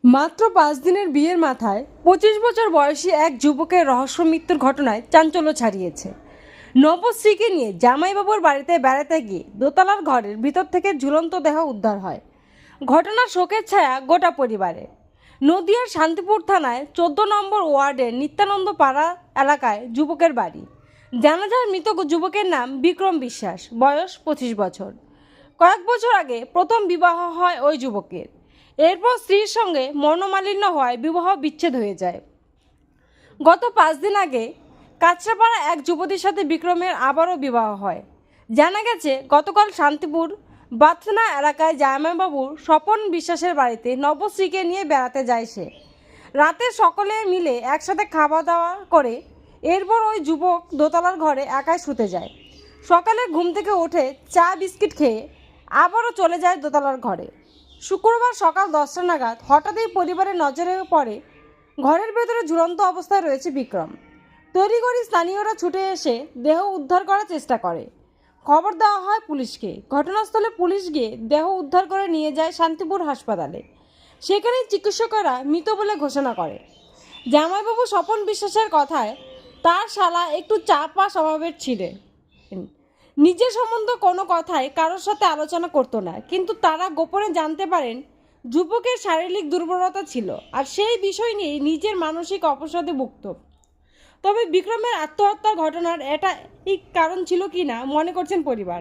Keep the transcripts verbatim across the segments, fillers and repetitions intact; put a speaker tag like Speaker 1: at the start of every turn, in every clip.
Speaker 1: মাত্র পাঁচ দিনের বিয়ের মাথায় পঁচিশ বছর বয়সী এক যুবকের রহস্য মৃত্যুর ঘটনায় চাঞ্চল্য ছাড়িয়েছে। নবশ্রীকে নিয়ে জামাইবাবুর বাড়িতে বেড়াতে গিয়ে দোতলার ঘরের ভিতর থেকে ঝুলন্ত দেহ উদ্ধার হয়। ঘটনার শোকের ছায়া গোটা পরিবারে। নদিয়ার শান্তিপুর থানায় চোদ্দ নম্বর ওয়ার্ডের নিত্যানন্দ পাড়া এলাকায় যুবকের বাড়ি। জানা যায় মৃত যুবকের নাম বিক্রম বিশ্বাস, বয়স পঁচিশ বছর। কয়েক বছর আগে প্রথম বিবাহ হয় ওই যুবকের। এরপর স্ত্রীর সঙ্গে মনোমালিন্য হওয়ায় বিবাহ বিচ্ছেদ হয়ে যায়। গত পাঁচ দিন আগে কাছড়াপাড়া এক যুবতীর সাথে বিক্রমের আবারও বিবাহ হয়। জানা গেছে গতকাল শান্তিপুর বাথনা এলাকায় জামাইবাবুর স্বপন বিশ্বাসের বাড়িতে নবশ্রীকে নিয়ে বেড়াতে যায় সে। রাতে সকলে মিলে একসাথে খাওয়া দাওয়া করে এরপর ওই যুবক দোতলার ঘরে একাই শুতে যায়। সকালে ঘুম থেকে উঠে চা বিস্কিট খেয়ে আবারও চলে যায় দোতলার ঘরে। শুক্রবার সকাল দশটা নাগাদ হঠাৎই পরিবারের নজরে পড়ে ঘরের ভেতরে ঝুলন্ত অবস্থায় রয়েছে বিক্রম। তড়িঘড়ি স্থানীয়রা ছুটে এসে দেহ উদ্ধার করার চেষ্টা করে। খবর দেওয়া হয় পুলিশকে। ঘটনাস্থলে পুলিশ গিয়ে দেহ উদ্ধার করে নিয়ে যায় শান্তিপুর হাসপাতালে। সেখানে চিকিৎসকেরা মৃত বলে ঘোষণা করে। জামাইবাবু স্বপন বিশ্বাসের কথায় তার শালা একটু চাপা স্বভাবের ছিলেন। নিজের সম্বন্ধে কোনো কথাই কারোর সাথে আলোচনা করতো না, কিন্তু তারা গোপনে জানতে পারেন যুবকের শারীরিক দুর্বলতা ছিল আর সেই বিষয় নিয়ে নিজের মানসিক অবসাদে ভুগত। তবে বিক্রমের আত্মহত্যার ঘটনার এটা এই কারণ ছিল কি না মনে করছেন পরিবার।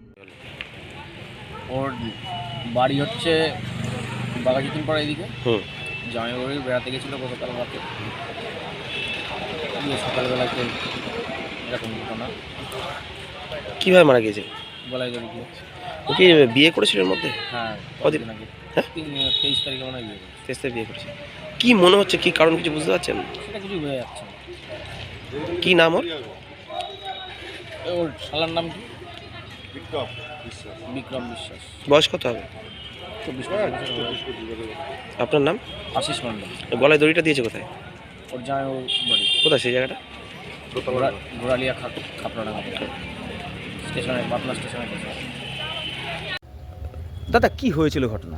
Speaker 2: ওর বাড়ি হচ্ছে বাঘাযতীন পাড়া এদিকে। হুম জামাইবাড়ি বেড়াতে গেছিলো গতকাল রাতে। সকালবেলাতে এরকম ঘটনা।
Speaker 3: কীভাবে মারা গিয়েছে?
Speaker 2: গলায় দড়ি দিয়ে।
Speaker 3: ও কি বিয়ে করেছিল এর মধ্যে?
Speaker 2: হ্যাঁ
Speaker 3: কদিন
Speaker 2: আগে?
Speaker 3: হ্যাঁ
Speaker 2: তেইশ তারিখে মনে হয় বিয়ে করেছে।
Speaker 3: তেইশ তারিখে বিয়ে করেছে। কী মনে হচ্ছে, কী কারণ কিছু বুঝতে পারছেন?
Speaker 2: সেটা কিছু বোঝা যাচ্ছে না।
Speaker 3: কী নাম ওর?
Speaker 2: ওর শালার নাম কি? বিক্রম বিশ্বাস। বিক্রম বিশ্বাস।
Speaker 3: বয়স কত হবে?
Speaker 2: চব্বিশ।
Speaker 3: আপনার নাম?
Speaker 2: আশিস মণ্ডল।
Speaker 3: গলায় দড়িটা দিয়েছে কোথায়?
Speaker 2: ওর জামাই বাড়ি।
Speaker 3: কোথায় সেই জায়গাটা?
Speaker 2: ঘোরালিয়া খাপড়া স্টেশনে, পাতলা স্টেশনে।
Speaker 4: দাদা কি হয়েছিল ঘটনা?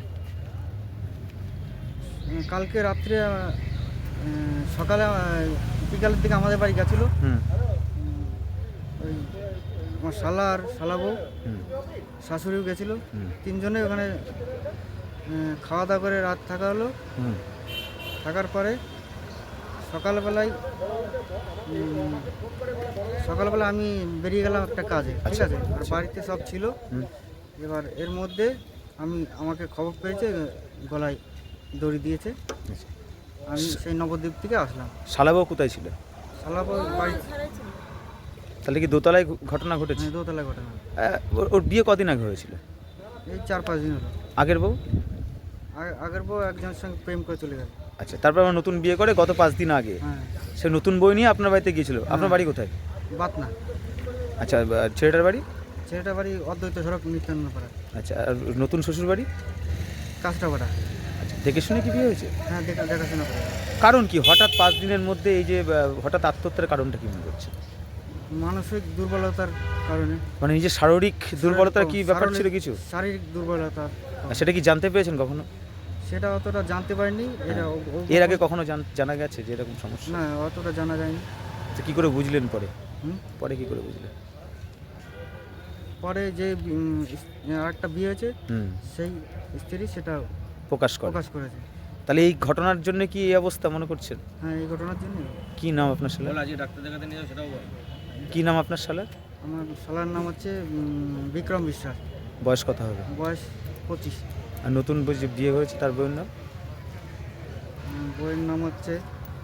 Speaker 5: কালকে রাত্রে সকালে বিকালের দিকে আমাদের বাড়ি গেছিলো।
Speaker 4: হুম
Speaker 5: ওই আমার শালা আর শালা বউ, শাশুড়িও গেছিলো। তিনজনে ওখানে খাওয়া দাওয়া করে রাত থাকা হলো। থাকার পরে সকালবেলায় সকালবেলা আমি বেরিয়ে গেলাম একটা কাজে, ঠিক আছে। আর বাড়িতে সব ছিল। এবার এর মধ্যে আমি আমাকে খবর পেয়েছে গলায় দড়ি দিয়েছে। আমি সেই নবদ্বীপ থেকে আসলাম।
Speaker 4: শালাবাবু কোথায় ছিল?
Speaker 5: শালাবউ বাড়ি।
Speaker 4: তাহলে কি দোতলায় ঘটনা ঘটেছে?
Speaker 5: দোতলায় ঘটনা।
Speaker 4: ওর বিয়ে কদিন আগে হয়েছিল?
Speaker 5: এই চার পাঁচ দিন হলো।
Speaker 4: আগের বউ?
Speaker 5: আগের বউ একজনের সঙ্গে প্রেম করে চলে গেল।
Speaker 4: আচ্ছা, তারপর আবার নতুন বিয়ে করে গত পাঁচ দিন আগে।
Speaker 5: হ্যাঁ।
Speaker 4: সে নতুন বই নিয়ে আপনার বাড়িতে গিয়েছিল। আপনার বাড়ি কোথায়?
Speaker 5: বাতনা।
Speaker 4: আচ্ছা, ছেলেটার বাড়ি?
Speaker 5: ছেলেটার বাড়ি অদ্বৈত সড়ক নিত্যানন্দ পাড়া।
Speaker 4: আচ্ছা, আর নতুন শ্বশুর বাড়ি?
Speaker 5: কাঁচরাপাড়া।
Speaker 4: আচ্ছা, দেখে শুনে কি বিয়ে হয়েছে?
Speaker 5: হ্যাঁ, দেখা দেখাশোনা করে।
Speaker 4: কারণ কি হঠাৎ পাঁচ দিনের মধ্যে এই যে হঠাৎ আত্মহত্যার কারণটা কি মনে করছে?
Speaker 5: মানসিক দুর্বলতার কারণে।
Speaker 4: মানে নিজের শারীরিক দুর্বলতার কি ব্যাপার ছিল কিছু?
Speaker 5: শারীরিক দুর্বলতা।
Speaker 4: সেটা কি জানতে পেরেছেন কখনো?
Speaker 5: সেটা অতটা জানতে পারিনি। এটা
Speaker 4: এর আগে কখনো জানা গেছে যে এরকম সমস্যা?
Speaker 5: না, অতটা জানা যায়নি।
Speaker 4: তো কী করে বুঝলেন পরে?
Speaker 5: হুম
Speaker 4: পরে কী করে বুঝলেন?
Speaker 5: পরে যে আরেকটা বিয়ে হয়েছে সেই স্ত্রী সেটা
Speaker 4: প্রকাশ করে
Speaker 5: প্রকাশ করেছে।
Speaker 4: তাহলে এই ঘটনার জন্য কি এই অবস্থা মনে করছেন?
Speaker 5: হ্যাঁ, এই ঘটনার জন্য।
Speaker 4: কি নাম আপনার শালার?
Speaker 2: আজকে ডাক্তার দেখাতে নিয়ে যাও সেটাও বল।
Speaker 4: কি নাম আপনার শালার?
Speaker 5: আমার শালার নাম হচ্ছে বিক্রম বিশ্বাস।
Speaker 4: বয়স কত হবে?
Speaker 5: বয়স পঁচিশ।
Speaker 4: আর নতুন যে বিয়ে হয়েছে তার বইয়ের নাম?
Speaker 5: বইয়ের নাম হচ্ছে।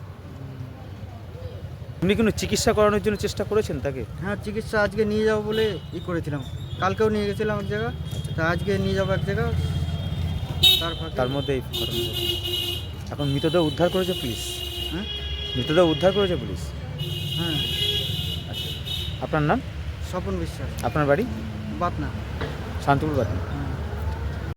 Speaker 4: আপনি কোনো চিকিৎসা করানোর জন্য চেষ্টা করেছেন তাকে?
Speaker 5: হ্যাঁ, চিকিৎসা আজকে নিয়ে যাবো বলে ই করেছিলাম। কালকেও নিয়ে গেছিলাম এক জায়গা, তা আজকে নিয়ে যাবো এক জায়গা। তার
Speaker 4: তার মধ্যে এই ঘটনা। এখন মৃতদেহ উদ্ধার করেছে পুলিশ?
Speaker 5: হ্যাঁ,
Speaker 4: মৃতদেহ উদ্ধার করেছে পুলিশ।
Speaker 5: হ্যাঁ।
Speaker 4: আচ্ছা, আপনার নাম?
Speaker 5: স্বপন বিশ্বাস।
Speaker 4: আপনার বাড়ি?
Speaker 5: বাতনা।
Speaker 4: শান্তিপুর বাতনা।